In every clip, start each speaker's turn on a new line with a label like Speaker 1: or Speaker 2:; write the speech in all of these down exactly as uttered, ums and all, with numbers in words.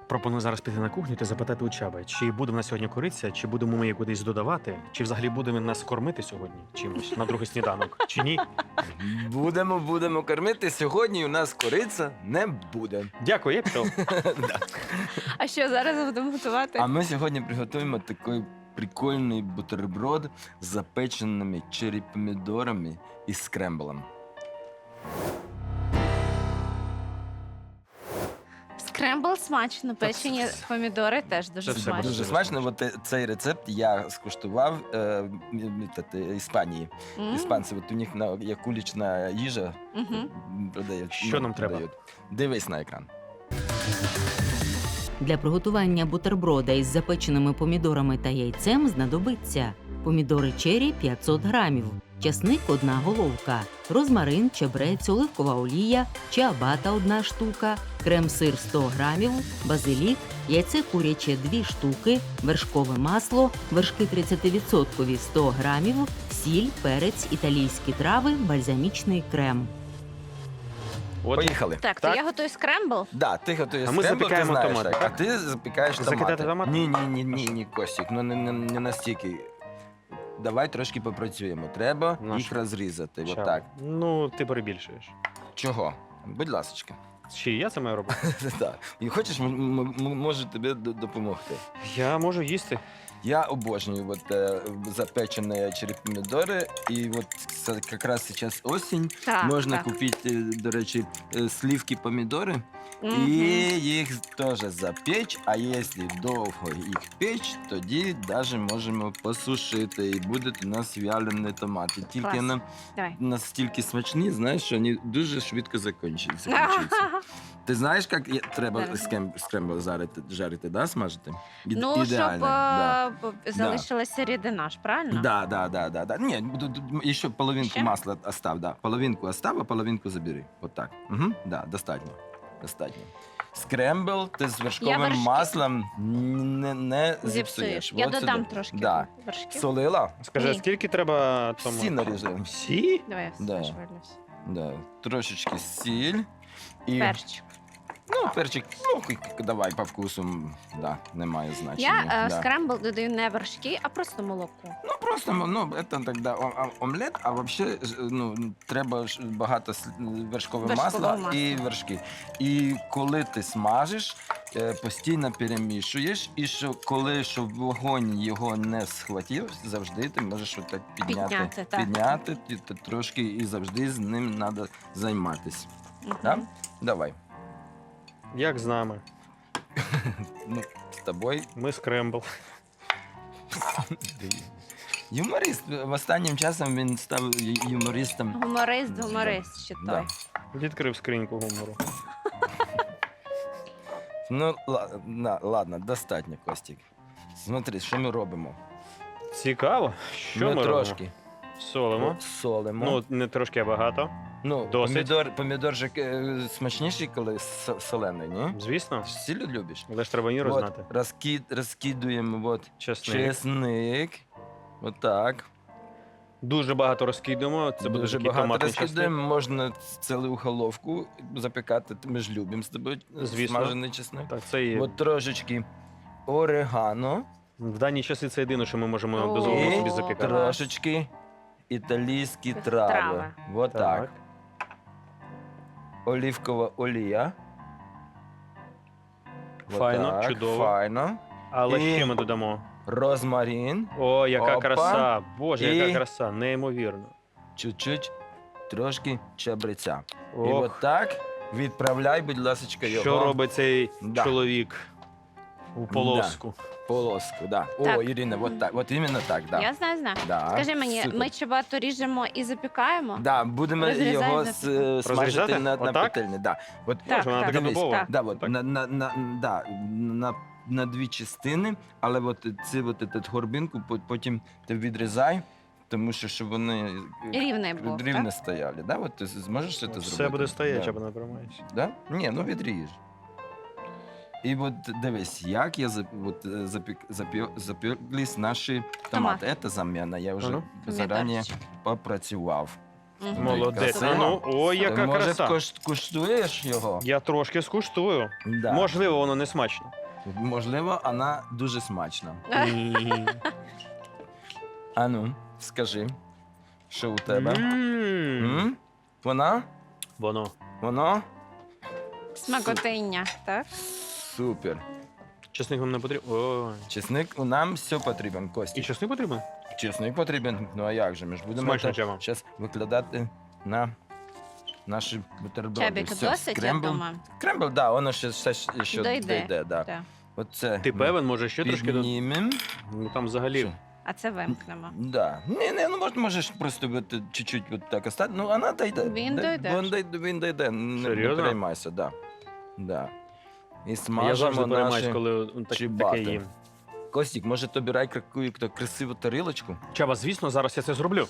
Speaker 1: Пропоную зараз піти на кухню та запитати у Чаби, чи буде в нас сьогодні кориця, чи будемо ми її кудись додавати, чи взагалі будемо нас кормити сьогодні чимось на другий сніданок, чи ні?
Speaker 2: Будемо, будемо кормити. Сьогодні у нас кориця не буде.
Speaker 1: Дякую, я пішов.
Speaker 2: Да.
Speaker 3: А що зараз будемо готувати?
Speaker 2: А ми сьогодні приготуємо такий прикольний бутерброд з запеченими черрі-помідорами і скремблем.
Speaker 3: Скрембл смачно, печені помідори теж дуже
Speaker 1: Це все
Speaker 3: смачно.
Speaker 2: Дуже смачно. От е, цей рецепт я скуштував е, м- м- та- та, Іспанії.
Speaker 3: М,
Speaker 2: Іспанці, от у них на, як улічна їжа
Speaker 3: мгм.
Speaker 2: м, продають.
Speaker 1: Що нам треба?
Speaker 2: продають. Дивись на екран.
Speaker 4: Для приготування бутерброда із запеченими помідорами та яйцем знадобиться помідори чері п'ятсот грамів, часник – одна головка, розмарин, чебрець, оливкова олія, чиабата – одна штука, крем-сир сто грамів, базилік, яйце куряче дві штуки, вершкове масло, вершки тридцять відсотків сто грамів, сіль, перець, італійські трави, бальзамічний крем.
Speaker 1: От
Speaker 2: Поїхали.
Speaker 3: Так, то
Speaker 1: Так.
Speaker 3: я готую скрембл.
Speaker 2: Да, ти готуєш
Speaker 1: А ми
Speaker 2: скрембл, ти
Speaker 1: запікаємо
Speaker 2: знаєш,
Speaker 1: томати,
Speaker 2: так.
Speaker 1: так?
Speaker 2: А ти запікаєш томати.
Speaker 1: Закидати томати?
Speaker 2: Ні, ні, ні, ні, ні, Костік, ну не, не, не настільки. Давай трошки попрацюємо. Треба
Speaker 1: На
Speaker 2: їх
Speaker 1: що?
Speaker 2: розрізати.
Speaker 1: Чаба.
Speaker 2: Отак.
Speaker 1: Ну, ти перебільшуєш.
Speaker 2: Чого? Будь ласочка.
Speaker 1: Чи я це маю робити?
Speaker 2: Так. І хочеш, м- м- м- можу тобі д- допомогти.
Speaker 1: Я можу їсти.
Speaker 2: Я обожнюю от, е, запечені черепомідори, і от це якраз зараз осінь.
Speaker 3: Так,
Speaker 2: Можна
Speaker 3: так.
Speaker 2: купити, до речі, е, слівки помідори.
Speaker 3: Мгм.
Speaker 2: І їх теж запечь, а якщо довго їх печь, тоді навіть можемо посушити. І будуть у нас вялені томати. Тільки
Speaker 3: Клас.
Speaker 2: на,
Speaker 3: Давай.
Speaker 2: настільки смачні, знаєш, що вони дуже швидко закінчуються. закінчуються. Ти знаєш, як є- треба
Speaker 3: Зараз.
Speaker 2: скем- скрембл жарити, жарити, да, смажити? Іде-
Speaker 3: Ну, щоб
Speaker 2: ідеально, да.
Speaker 3: е, б- залишилася рідина ж, правильно?
Speaker 2: Да, да, да, да, да. Ні, д- д- ще половинку
Speaker 3: Ще?
Speaker 2: масла остав, да. Половинку остав, а половинку забери. От так. Угу. Да, достатньо. Достатньо. Скрембл ти з вершковим
Speaker 3: вершки-
Speaker 2: маслом не, не
Speaker 3: Зіпсуєш.
Speaker 2: зіпсуєш.
Speaker 3: Я
Speaker 2: От
Speaker 3: додам
Speaker 2: сюди.
Speaker 3: трошки
Speaker 2: Да.
Speaker 3: вершків.
Speaker 2: Солила?
Speaker 1: Скажи, а
Speaker 3: Ні.
Speaker 1: скільки треба тому?
Speaker 2: Всі наріжемо.
Speaker 1: Всі?
Speaker 3: Давай я
Speaker 2: Да.
Speaker 3: все швирнусь.
Speaker 2: Да. Трошечки сіль. І,
Speaker 3: Перчик.
Speaker 2: ну, перчик, ну, к- к- давай по вкусу, м, да, немає
Speaker 3: Я
Speaker 2: значення.
Speaker 3: е,
Speaker 2: да.
Speaker 3: скрембл додаю не вершки, а просто молоко.
Speaker 2: Ну, просто, ну, это тогда о- о- омлет, а вообще, ж, ну, треба ж багато с- вершкового
Speaker 3: Вершкового
Speaker 2: масла
Speaker 3: масла.
Speaker 2: і вершки. І коли ти смажиш, е, постійно перемішуєш, і що, коли щоб вогонь його не схватив, завжди ти можеш отак підняти,
Speaker 3: Підняти, так.
Speaker 2: підняти і ти трошки, і завжди з ним треба займатися.
Speaker 3: Мгм.
Speaker 2: Да? Давай.
Speaker 1: Як з нами?
Speaker 2: Ну, з тобою
Speaker 1: Ми скрембл.
Speaker 2: юморист. В останнім часом він став ю- юмористом.
Speaker 3: Гуморист, гуморист ще
Speaker 2: Да.
Speaker 3: той.
Speaker 1: Відкрив скриньку гумору.
Speaker 2: Ну, ла- на, ладно, достатньо, Костік. Смотри, що ми робимо?
Speaker 1: Цікаво. Що ми,
Speaker 2: ми
Speaker 1: робимо?
Speaker 2: трошки
Speaker 1: Солимо.
Speaker 2: солимо.
Speaker 1: Ну, не трошки, а багато.
Speaker 2: ну
Speaker 1: досить.
Speaker 2: помідор, помідор же е, смачніший, коли со- солений, ні?
Speaker 1: Звісно.
Speaker 2: Сіль любиш?
Speaker 1: Але ж треба міру
Speaker 2: От,
Speaker 1: знати.
Speaker 2: розкид, розкидуємо от,
Speaker 1: Чесник.
Speaker 2: чесник. Отак.
Speaker 1: Дуже багато розкидуємо. Це буде
Speaker 2: Дуже
Speaker 1: такий
Speaker 2: багато
Speaker 1: томатний чесник.
Speaker 2: розкидаємо. Можна цілу головку запікати. Ми ж любимо з тобою
Speaker 1: Звісно.
Speaker 2: смажений чесник.
Speaker 1: Так, це є.
Speaker 2: От трошечки орегано.
Speaker 1: В дані часи це єдине, що ми можемо
Speaker 3: О.
Speaker 1: дозволити собі
Speaker 2: І
Speaker 1: запікати.
Speaker 2: трошечки італійські трави.
Speaker 3: Трави.
Speaker 2: Вот так.
Speaker 1: Так.
Speaker 2: Олівкова олія. Вот
Speaker 1: Файно,
Speaker 2: так,
Speaker 1: чудово.
Speaker 2: Файно.
Speaker 1: Але
Speaker 2: І-
Speaker 1: ще ми додамо.
Speaker 2: Розмарин.
Speaker 1: О, яка
Speaker 2: Опа.
Speaker 1: краса! Боже,
Speaker 2: І-
Speaker 1: яка краса, неймовірно.
Speaker 2: Чуть-чуть трошки чабреця. І
Speaker 1: Ох,
Speaker 2: от так відправляй, будь ласка, його
Speaker 1: що робить цей
Speaker 2: Да.
Speaker 1: чоловік у полоску?
Speaker 2: в полоску. Да.
Speaker 3: Так.
Speaker 2: О, Ірина, от так. От іменно так. Да.
Speaker 3: Я знаю, знаю.
Speaker 2: Да.
Speaker 3: Скажи мені,
Speaker 2: Супер.
Speaker 3: ми чебату ріжемо і запікаємо?
Speaker 2: Да, будемо
Speaker 3: Розрізаємо
Speaker 2: його
Speaker 3: на
Speaker 2: с- е, смажити
Speaker 1: Розрізати?
Speaker 2: на, на
Speaker 1: Отак?
Speaker 2: петельні. Да. От,
Speaker 3: Так,
Speaker 1: Боже, вона
Speaker 3: так.
Speaker 1: така
Speaker 2: Дивись,
Speaker 1: дубова.
Speaker 3: так.
Speaker 2: Да, от,
Speaker 1: Так.
Speaker 2: на, на, на, да, на, на дві частини, але от ці от, от, горбинку по- потім ти відрізай, тому що щоб вони е,
Speaker 3: Рівний був,
Speaker 2: рівно
Speaker 3: так?
Speaker 2: стояли. Да? От ти зможеш це зробити?
Speaker 1: Все буде стояти,
Speaker 2: Да.
Speaker 1: або не тримаєшся.
Speaker 2: Да? Ні, ну відріж. І от дивись, як я зап- от, е, запік, запі, запеклись наші томати. Це заміна, я вже
Speaker 1: Ага.
Speaker 2: зарані
Speaker 3: Помідорчик.
Speaker 2: попрацював.
Speaker 3: Мгм.
Speaker 1: Молодець.
Speaker 2: Красиво.
Speaker 1: А ну, ой, яка
Speaker 2: Ти, може,
Speaker 1: краса.
Speaker 2: кош- куштуєш його?
Speaker 1: Я трошки скуштую.
Speaker 2: Да.
Speaker 1: Можливо, воно не смачно.
Speaker 2: Можливо, вона дуже смачна.
Speaker 1: Ні.
Speaker 2: А ну, скажи, що у тебе?
Speaker 1: М.
Speaker 2: М? Вона?
Speaker 1: Воно.
Speaker 2: Воно?
Speaker 3: Смакотиння, так?
Speaker 2: Супер.
Speaker 1: Чесник вам не потрібен. Ой.
Speaker 2: Чесник, нам все потрібен,
Speaker 1: І
Speaker 2: Костя.
Speaker 1: чесник потрібен?
Speaker 2: Чесник потрібен, ну а як же? Ми ж будемо
Speaker 1: Смачно, Чаба.
Speaker 2: зараз викладати на наші бутерброди.
Speaker 3: Чабік,
Speaker 2: Все,
Speaker 3: досить, я
Speaker 2: скрембл.
Speaker 3: думаю.
Speaker 2: Скрембл, да, воно ще, ще, ще
Speaker 3: Дойде.
Speaker 2: дойде, да.
Speaker 3: Так.
Speaker 2: Оце
Speaker 1: Ти
Speaker 2: ми
Speaker 1: певен, може ще трошки до.
Speaker 2: піднімем.
Speaker 1: Ну там взагалі.
Speaker 2: Що?
Speaker 3: А це вимкнемо.
Speaker 2: Да. Не, не, ну можеш, можеш просто от, чуть-чуть от так остати. Ну, вона дойде.
Speaker 3: Він
Speaker 2: Де-
Speaker 3: дойде.
Speaker 2: Він дойде, він дойде. Не, не
Speaker 1: Серйозно?
Speaker 2: переймайся, да. Да. І
Speaker 1: Я
Speaker 2: смажемо
Speaker 1: завжди переймаюсь,
Speaker 2: наші...
Speaker 1: коли он так,
Speaker 2: чибати.
Speaker 1: таке їм.
Speaker 2: Костік, може тобі рай яку красиву тарілочку?
Speaker 1: Чаба, звісно, зараз я це зроблю.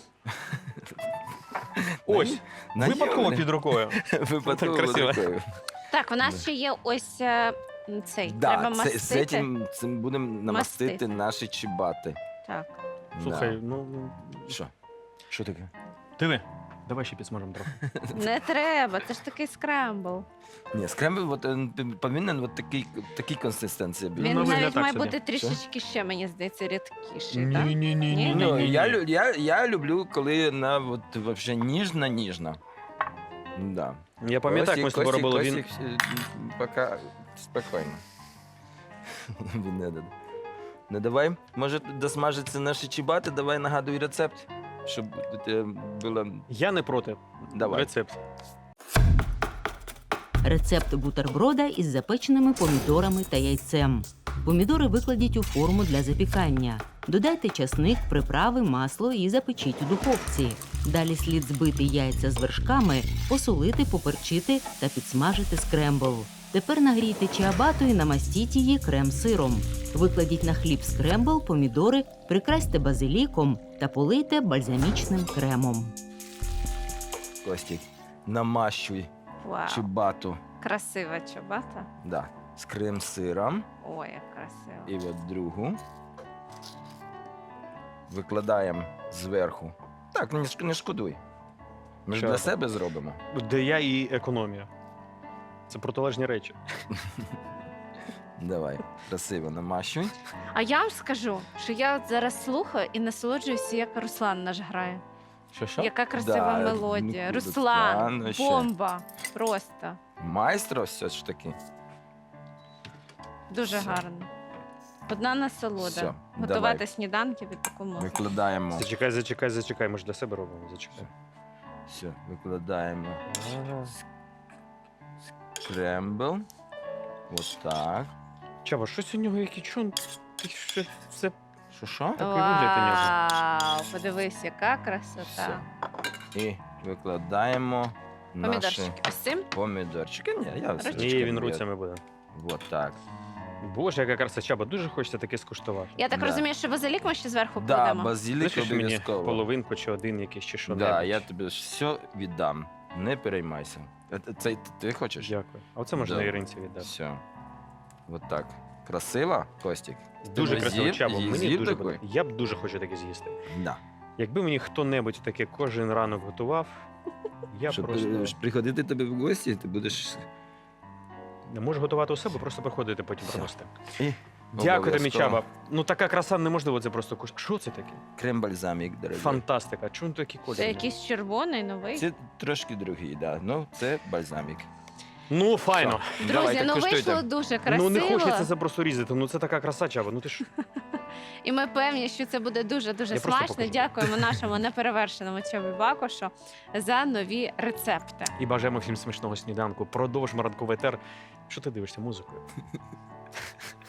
Speaker 1: Ось,
Speaker 2: На
Speaker 1: випадково
Speaker 2: ній
Speaker 1: під рукою.
Speaker 2: Випадково
Speaker 1: Красиво.
Speaker 2: рукою.
Speaker 3: Так, у нас
Speaker 2: Да.
Speaker 3: ще є ось е, цей.
Speaker 2: Да,
Speaker 3: Треба
Speaker 2: це,
Speaker 3: мастити.
Speaker 2: з цим, цим будемо намастити
Speaker 3: Мастити.
Speaker 2: наші чибати.
Speaker 3: Так.
Speaker 1: Слухай, ну.
Speaker 2: Да. Що? Що таке?
Speaker 1: Диви, давай ще підсмажемо трохи.
Speaker 3: Не треба, це ж такий скрембл.
Speaker 2: Ні, скрембл от, е, повинен от такий, такій консистенції бути.
Speaker 3: Він
Speaker 1: на вигляд
Speaker 3: навіть
Speaker 1: так
Speaker 3: має
Speaker 1: собі.
Speaker 3: бути трішечки ще, мені здається, рідкіший, так?
Speaker 1: ні, ні,
Speaker 3: Ні?
Speaker 2: Ну, я, лю- я, я люблю, коли вона от, вообще ніжна-ніжна. Да.
Speaker 1: Я пам'ятаю, як ми з тобою робили. Він
Speaker 2: Костік, е, поки спокійно. Він не дає. Ну давай, може досмажиться наші чибати, давай нагадуй рецепт, щоб у тебе було...
Speaker 1: Я не проти.
Speaker 2: Давай.
Speaker 1: Рецепт.
Speaker 4: Рецепт бутерброда із запеченими помідорами та яйцем. Помідори викладіть у форму для запікання. Додайте часник, приправи, масло і запечіть у духовці. Далі слід збити яйця з вершками, посолити, поперчити та підсмажити скрембл. Тепер нагрійте чиабату і намастіть її крем-сиром. Викладіть на хліб скрембл, помідори, прикрасьте базиліком та полийте бальзамічним кремом.
Speaker 2: Костік, намащуй
Speaker 3: Вау.
Speaker 2: чибату,
Speaker 3: Красива чобата.
Speaker 2: да, з крем-сиром.
Speaker 3: Ой, як красиво.
Speaker 2: І от другу. Викладаємо зверху. Так, не, шк- не шкодуй. Ми ж
Speaker 1: Що
Speaker 2: для
Speaker 1: там?
Speaker 2: себе зробимо.
Speaker 1: Де я і економія. Це протилежні речі.
Speaker 2: Давай, красиво намащуй.
Speaker 3: А я вам скажу, що я от зараз слухаю і насолоджуюся, як Руслан наш грає.
Speaker 2: Що, що?
Speaker 3: Яка красива
Speaker 2: Да,
Speaker 3: мелодія.
Speaker 2: ну,
Speaker 3: Руслан,
Speaker 2: Руслан ще.
Speaker 3: бомба. Просто.
Speaker 2: Майстро все ж таки.
Speaker 3: Дуже
Speaker 2: Все.
Speaker 3: гарно. Одна насолода.
Speaker 2: Все,
Speaker 3: Готувати
Speaker 2: давай.
Speaker 3: сніданки від таку музику.
Speaker 2: Викладаємо.
Speaker 1: Зачекай, зачекай, зачекай. Ми ж для себе робимо. Зачекай.
Speaker 2: Все, викладаємо
Speaker 1: Ага.
Speaker 2: скрембл. Ось так.
Speaker 1: Чаба, щось у нього який чон. Ти що все.
Speaker 2: Що що?
Speaker 1: Такий вигляд у нього.
Speaker 3: Вау, подивись, яка красота.
Speaker 2: Все. І викладаємо наші
Speaker 3: Помідорчики. Ось цим?
Speaker 2: помідорчики. Ні, я все
Speaker 1: Ні, він руцями буде.
Speaker 2: Ось так.
Speaker 1: Боже, яка краса, Чаба, дуже хочеться таке скуштувати.
Speaker 3: Я так
Speaker 2: Да.
Speaker 3: розумію, що базилік ми ще зверху
Speaker 2: Да,
Speaker 3: кладемо.
Speaker 2: базилік
Speaker 1: Лишиш мені
Speaker 2: обов'язково.
Speaker 1: половинку чи один якийсь чи що
Speaker 2: Да, я тобі все віддам. Не переймайся. Е, е, Це ти хочеш?
Speaker 1: Дякую. А оце можна
Speaker 2: Да.
Speaker 1: Іринці віддати.
Speaker 2: Все. Ось так. Красиво, Костік?
Speaker 1: Дуже
Speaker 2: Ти
Speaker 1: красиво,
Speaker 2: з'їв?
Speaker 1: Чаба.
Speaker 2: З'їв
Speaker 1: Мені дуже
Speaker 2: такий?
Speaker 1: подобається. Я б дуже хочу таке з'їсти.
Speaker 2: Да.
Speaker 1: Якби мені хто-небудь таке кожен ранок готував, я
Speaker 2: Щоб
Speaker 1: просто
Speaker 2: ти- щоб приходити тобі в гості, ти будеш.
Speaker 1: не можу готувати у себе, просто приходити потім
Speaker 2: Все.
Speaker 1: приносити.
Speaker 2: І
Speaker 1: Дякую тобі,
Speaker 2: обов'язково.
Speaker 1: Чаба. Ну така краса неможливо це просто куштувати. Що це таке?
Speaker 2: Крем-бальзамік, дорогий.
Speaker 1: Фантастика. Чому такі кольори?
Speaker 3: Це якийсь червоний, новий.
Speaker 2: Це трошки другий, да. Ну, це бальзамік.
Speaker 1: Ну, файно.
Speaker 3: Друзі,
Speaker 2: Давайте,
Speaker 3: ну
Speaker 2: куштуйте.
Speaker 3: вийшло дуже красиво.
Speaker 1: Ну не хочеться це просто різати. Ну це така краса, Чаба. Ну ти ж.
Speaker 3: І ми певні, що це буде дуже-дуже
Speaker 1: Я просто
Speaker 3: смачно.
Speaker 1: покажу.
Speaker 3: Дякуємо нашому неперевершеному Чобі Бакошу за нові рецепти.
Speaker 1: І бажаємо всім смачного сніданку. Продовжимо ранковий етер. Що ти дивишся музикою?